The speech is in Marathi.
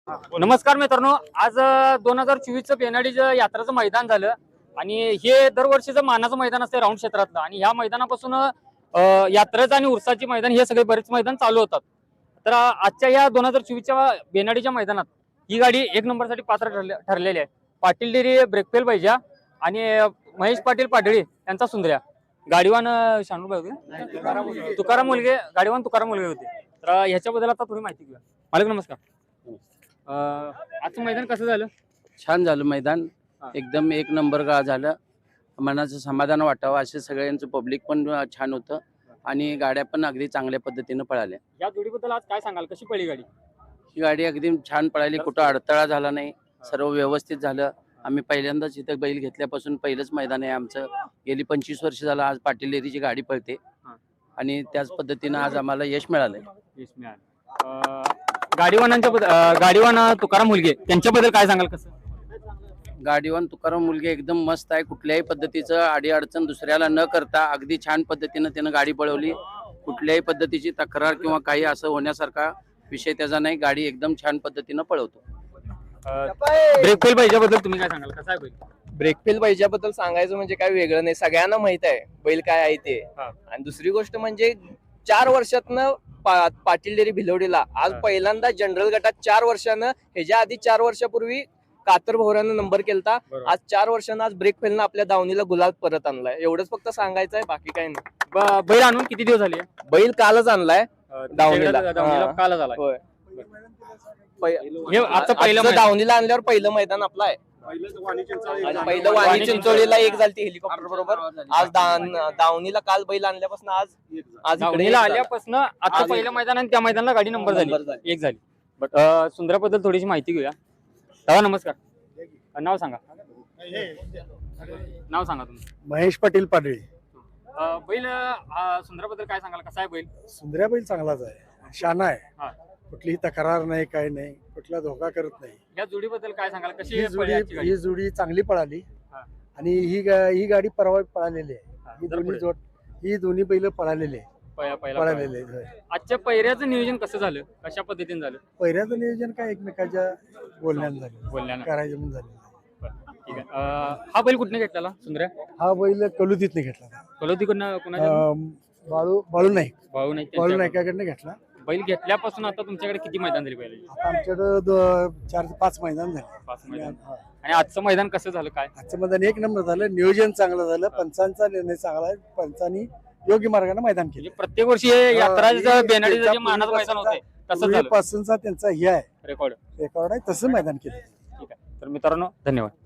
नमस्कार मित्रांनो, आज 2024चं बेनाडीचं यात्राचं मैदान झालं आणि हे दरवर्षीचं मानाचं मैदान असते राऊंड क्षेत्रातलं आणि ह्या मैदानापासून यात्रेचं आणि उरसाची मैदान हे सगळे बरेच मैदान चालू होतात. तर आजच्या या 2024च्या बेनाडीच्या मैदानात ही गाडी एक नंबरसाठी पात्र ठरलेली आहे. पाटील डेरी ब्रेकफेल पाहिजे आणि महेश पाटील पाटळी यांचा सुंदर्या गाडीवान शानू होते, तुकाराम मुलगे गाडीवान तुकाराम मुलगे होते. तर ह्याच्याबद्दल आता थोडी माहिती घेऊया. मालक नमस्कार. आजचं मैदान कसं झालं? छान झालं मैदान, एकदम एक नंबर झालं. मनाचं समाधान वाटावं असे सगळ्यांचं पब्लिक पण छान होतं आणि गाड्या पण अगदी चांगल्या पद्धतीनं पळाल्या. या जोडीबद्दल आज काय सांगाल, कशी पळली गाडी? ही गाडी अगदी छान पळाली, कुठं अडथळा झाला नाही, सर्व व्यवस्थित झालं. आम्ही पहिल्यांदाच इथं बैल घेतल्यापासून पहिलंच मैदान आहे आमचं. गेली 25 वर्ष झालं आज पाटील डेअरीची गाडी पळते आणि त्याच पद्धतीनं आज आम्हाला यश मिळालंय. यश मिळालं. गाडीवान तुकाराम मुलगे त्यांच्याबद्दल काय सांगाल? कसं गाडीवान तुकाराम मुलगे एकदम मस्त आहे. कुठल्याही पद्धतीचं अडीअडचण दुसऱ्याला न करता अगदी छान पद्धतीनं त्यानं गाडी पळवली. कुठल्याही पद्धतीची तक्रार किंवा काही असं होण्यासारखा विषय त्याचा नाही. गाडी एकदम छान पद्धतीनं पळवतो. ब्रेकफेल पाहिजेबद्दल तुम्ही काय सांगाल? कसं आहे बैल? ब्रेकफेल बैजाबद्दल सांगायचं म्हणजे काय वेगळं नाही, सगळ्यांना माहित आहे बैल काय आहे ते. आणि दुसरी गोष्ट म्हणजे 4 वर्षातनं पाटील डेअरी भिलवडीला आज पहिल्यांदा जनरल गटात 4 वर्षानं, ह्याच्या आधी 4 वर्षापूर्वी कातर भोवऱ्यानं नंबर केलता. आज 4 वर्षानं आज ब्रेक फेलनं आपल्या दावणीला गुलाब परत आणलाय. एवढंच फक्त सांगायचं आहे, बाकी काही नाही. बैल आणून किती दिवस झाले? बैल कालच आणलाय दावणीला. कालच आला. होय, आजचं पहिलं दावणीला आणल्यावर पहिलं मैदान आपलं आहे. पहिलं वाणी चिंचोळीला एक झाली हेलिकॉप्टर बरोबर. आज दावणीला काल बैल आणल्यापासून आज दावणीला आल्यापासून आजचं पहिलं मैदान आणि त्या मैदानाला गाडी नंबर झाली, एक झाली. बट सुंदराबद्दल थोडीशी माहिती घेऊया. दादा नमस्कार, नाव सांगा. नाव सांगा तुम्ही. महेश पाटील पाडळी. बैल सुंदराबद्दल काय सांगाल? कसा आहे बैल? सुंदर्या बैल चांगलाच आहे, शाना आहे. कुठलीही तक्रार नाही, काय नाही, कुठला धोका करत नाही. या जोडीबद्दल काय सांगाल? कशी ही जोडी चांगली पळाली आणि ही गाडी परवा पळालेली आहे. ही दोन्ही बैल पळालेली आहे. आजच्या पहिऱ्याचं नियोजन कसं झालं? कशा पद्धतीने झालं? पहिऱ्याचं नियोजन काय एकमेकाच्या बोलण्यानं करायचं म्हणून झालं. ठीक आहे. हा बैल कुठने घेतलेला सुंदर्या? हा बैल कलुतीतने घेतला. बाळू नाईकाकडनं घेतला. बैल घेतल्यापासून आता तुमच्याकडे किती मैदान झाली? बैल आमच्याकडे 4 ते 5 मैदान झाले. 5 मैदान. आणि आजचं मैदान कसं झालं? काय आजचं मैदान एक नंबर झालं, नियोजन चांगलं झालं, पंचांचा निर्णय चांगला आहे, पंचांनी योग्य मार्गाने मैदान केलं. प्रत्येक वर्षी यात्रा बेनाडीचं जे मानाचं मैदान होतं तसं पासूनचा त्यांचा हे आहे, रेकॉर्ड आहे, तसं मैदान केलं. ठीक आहे. तर मित्रांनो धन्यवाद.